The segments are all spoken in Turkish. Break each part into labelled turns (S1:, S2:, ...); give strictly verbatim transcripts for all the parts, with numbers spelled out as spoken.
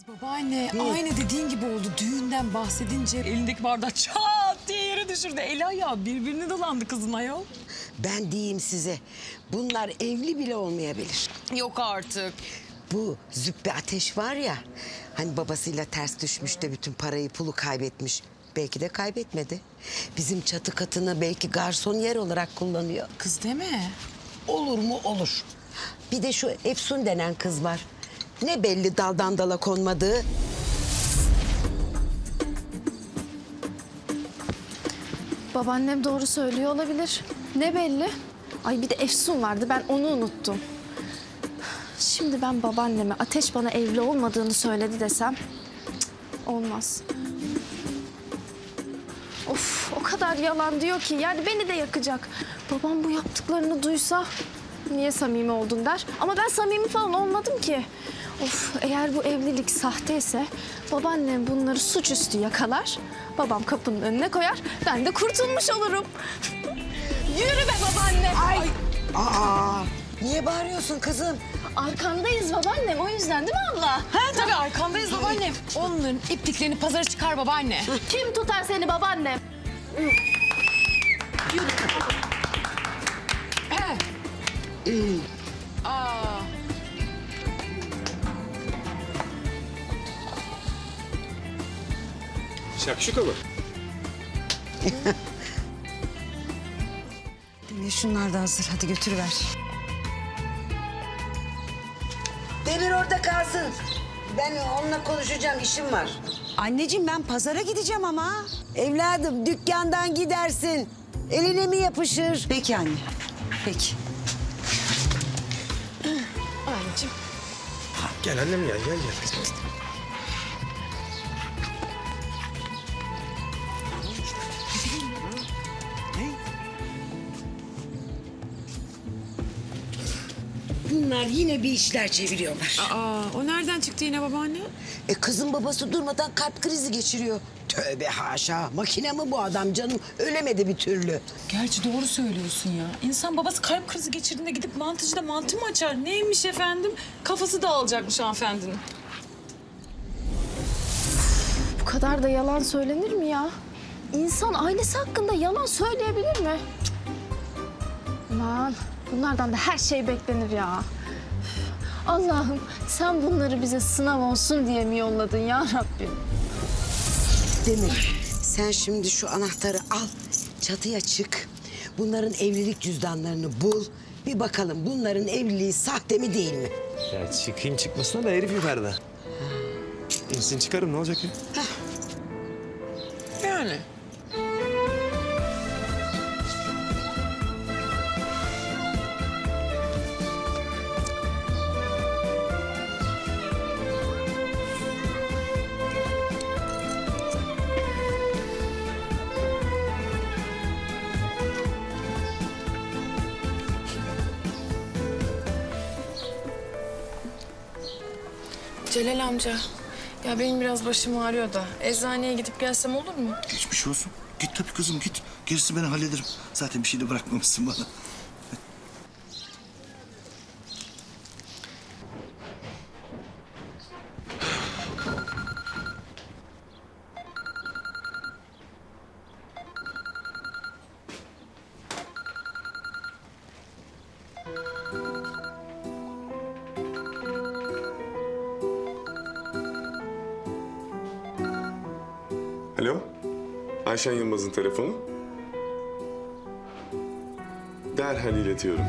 S1: Babaanne aynı dediğin gibi oldu. Düğünden bahsedince elindeki bardak çat diye yere düşürdü. Eli ayağı birbirine dolandı kızın ayol.
S2: Ben diyeyim size, bunlar evli bile olmayabilir.
S1: Yok artık.
S2: Bu Züppe Ateş var ya, hani babasıyla ters düşmüş de bütün parayı pulu kaybetmiş. Belki de kaybetmedi. Bizim çatı katını belki garson yer olarak kullanıyor.
S1: Kız deme.
S2: Olur mu olur. Bir de şu Efsun denen kız var. Ne belli daldan dala konmadığı.
S3: Babaannem doğru söylüyor olabilir. Ne belli? Ay bir de Efsun vardı, ben onu unuttum. Şimdi ben babaanneme Ateş bana evli olmadığını söyledi desem... cık, olmaz. Of, o kadar yalan diyor ki yani beni de yakacak. Babam bu yaptıklarını duysa niye samimi oldun der. Ama ben samimi falan olmadım ki. Of, eğer bu evlilik sahteyse babaannem bunları suçüstü yakalar. Babam kapının önüne koyar, ben de kurtulmuş olurum. Yürü be babaanne.
S2: Ay! Aa! Niye bağırıyorsun kızım?
S3: Arkandayız babaannem, o yüzden değil mi abla?
S1: Ha tabii arkandayız babaannem. Onların ipliklerini pazara çıkar babaanne.
S3: Kim tutar seni babaannem?
S1: Aa.
S4: Şakşuka mı?
S5: Demir şunlar da hazır. Hadi götürüver.
S2: Demir orada kalsın. Ben onunla konuşacağım, işim var.
S5: Anneciğim ben pazara gideceğim ama.
S2: Evladım dükkandan gidersin. Eline mi yapışır?
S5: Peki anne. Peki.
S1: Anneciğim.
S4: Gel annem gel gel gel.
S2: Bunlar yine bir işler çeviriyorlar.
S1: Aa, o nereden çıktı yine babaanne?
S2: E kızın babası durmadan kalp krizi geçiriyor. Tövbe haşa. Makine mi bu adam canım? Ölemedi bir türlü.
S1: Gerçi doğru söylüyorsun ya. İnsan babası kalp krizi geçirdiğinde gidip mantıcıda mantı mı açar? Neymiş efendim? Kafası dağılacakmış hanımefendinin.
S3: Bu kadar da yalan söylenir mi ya? İnsan ailesi hakkında yalan söyleyebilir mi? Cık. Aman bunlardan da her şey beklenir ya. Üf. Allah'ım sen bunları bize sınav olsun diye mi yolladın ya Rabbim?
S2: Demir, sen şimdi şu anahtarı al. Çatıya çık. Bunların evlilik cüzdanlarını bul. Bir bakalım bunların evliliği sahte mi değil mi?
S4: Ya çıkayım çıkmasına da herif yukarıda. İnsin çıkarım ne olacak ya?
S1: Yani.
S6: Celal amca, ya benim biraz başım ağrıyor da eczaneye gidip gelsem olur mu?
S7: Geçmiş olsun. Git tabii kızım git. Gerisi ben hallederim. Zaten bir şey de bırakmamışsın bana.
S8: Alo, Ayşen Yılmaz'ın telefonu. Derhal iletiyorum.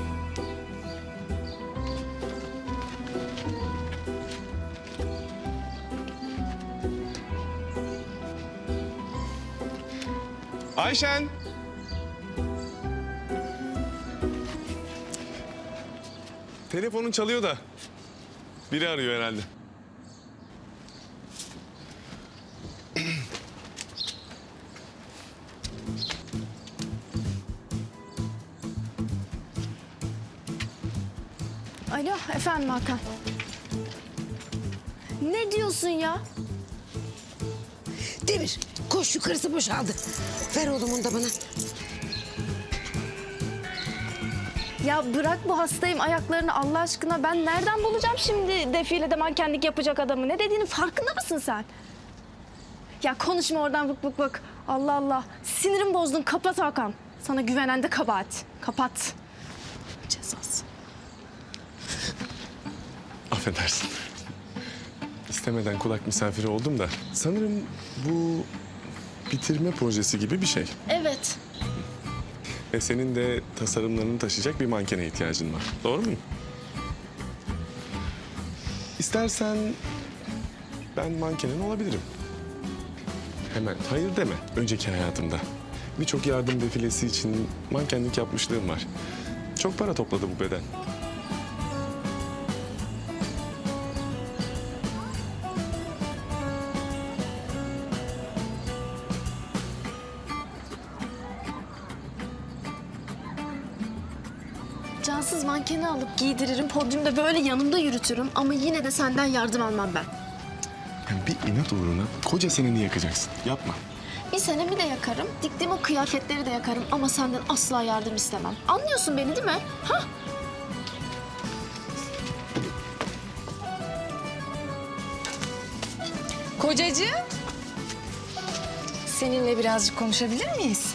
S8: Ayşen! Telefonun çalıyor da. Biri arıyor herhalde.
S3: Alo efendim Hakan. Ne diyorsun ya?
S2: Demir, koş yukarısı boşaldı. Ver oğlum onu da bana.
S3: Ya bırak bu hastayım ayaklarını Allah aşkına. Ben nereden bulacağım şimdi defilede mankenlik yapacak adamı? Ne dediğinin farkında mısın sen? Ya konuşma oradan bık bık bık. Allah Allah. Sinirim bozdun. Kapat Hakan. Sana güvenen de kabahat. Kapat. Cezası.
S8: Affedersin. İstemeden kulak misafiri oldum da. Sanırım bu bitirme projesi gibi bir şey.
S3: Evet.
S8: Ve senin de tasarımlarını taşıyacak bir mankene ihtiyacın var. Doğru mu? İstersen ben mankenin olabilirim. Hemen hayır deme. Önceki hayatımda birçok yardım defilesi için mankenlik yapmışlığım var. Çok para topladı bu beden.
S3: Cansız mankeni alıp giydiririm. Podyumda böyle yanımda yürütürüm. Ama yine de senden yardım almam ben.
S8: Yani bir inat uğruna koca seneni yakacaksın. Yapma.
S3: Bir senemi de yakarım. Diktiğim o kıyafetleri de yakarım. Ama senden asla yardım istemem. Anlıyorsun beni değil mi? Ha?
S6: Kocacığım. Seninle birazcık konuşabilir miyiz?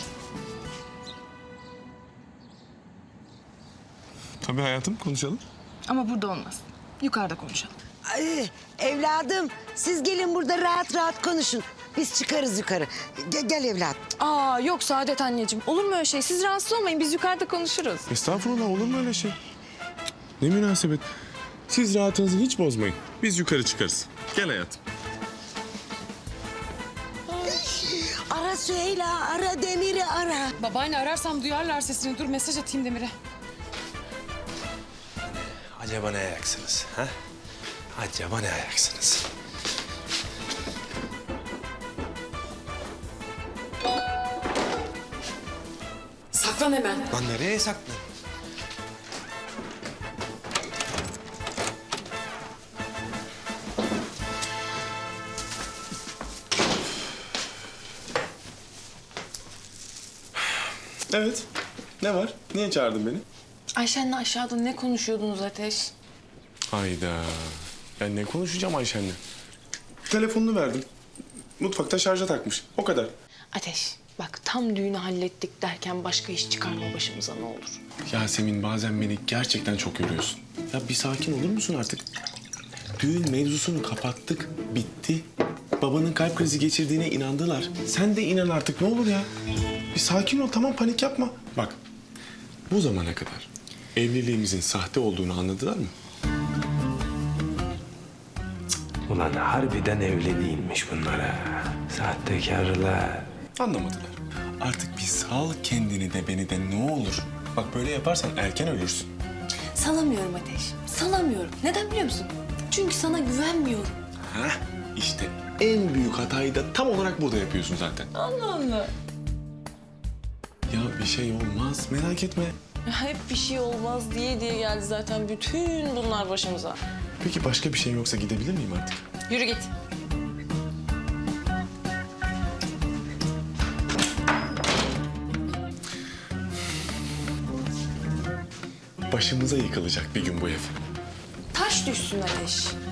S8: Tabii hayatım, konuşalım.
S6: Ama burada olmaz. Yukarıda konuşalım.
S2: Ay, evladım siz gelin burada rahat rahat konuşun. Biz çıkarız yukarı. Ge- gel evladım.
S6: Aa yok Saadet anneciğim. Olur mu öyle şey? Siz rahatsız olmayın. Biz yukarıda konuşuruz.
S8: Estağfurullah, olur mu öyle şey? Ne münasebet. Siz rahatınızı hiç bozmayın. Biz yukarı çıkarız. Gel hayatım.
S2: Ara Süheyla, ara Demir'i ara.
S1: Babaanne ararsam duyarlar sesini. Dur mesaj atayım Demir'e.
S4: Acaba ne ayaksınız? Ha? Acaba ne ayaksınız?
S1: Saklan hemen.
S4: Lan nereye saklan?
S8: Evet. Ne var? Niye çağırdın beni?
S6: Ayşen'le aşağıda ne konuşuyordunuz Ateş?
S8: Hayda. Ben ne konuşacağım Ayşen'le? Telefonunu verdim. Mutfakta şarja takmış. O kadar.
S6: Ateş bak tam düğünü hallettik derken başka iş çıkarma başımıza ne olur.
S8: Yasemin, bazen beni gerçekten çok yoruyorsun. Ya bir sakin olur musun artık? Düğün mevzusunu kapattık. Bitti. Babanın kalp krizi geçirdiğine inandılar. Sen de inan artık, ne olur ya. Bir sakin ol, tamam, panik yapma. Bak, bu zamana kadar evliliğimizin sahte olduğunu anladılar mı?
S9: Ulan harbiden evli değilmiş bunlara. Sahtekarlar.
S8: Anlamadılar. Artık bir sal kendini de beni de ne olur. Bak böyle yaparsan erken ölürsün.
S6: Salamıyorum Ateş. Salamıyorum. Neden biliyor musun? Çünkü sana güvenmiyorum.
S8: Hah, işte en büyük hatayı da tam olarak burada yapıyorsun zaten.
S6: Allah Allah.
S8: Ya bir şey olmaz, merak etme.
S6: Hep bir şey olmaz diye diye geldi zaten bütün bunlar başımıza.
S8: Peki başka bir şey yoksa gidebilir miyim artık?
S6: Yürü git.
S8: Başımıza yıkılacak bir gün bu ev.
S6: Taş düşsün Ateş.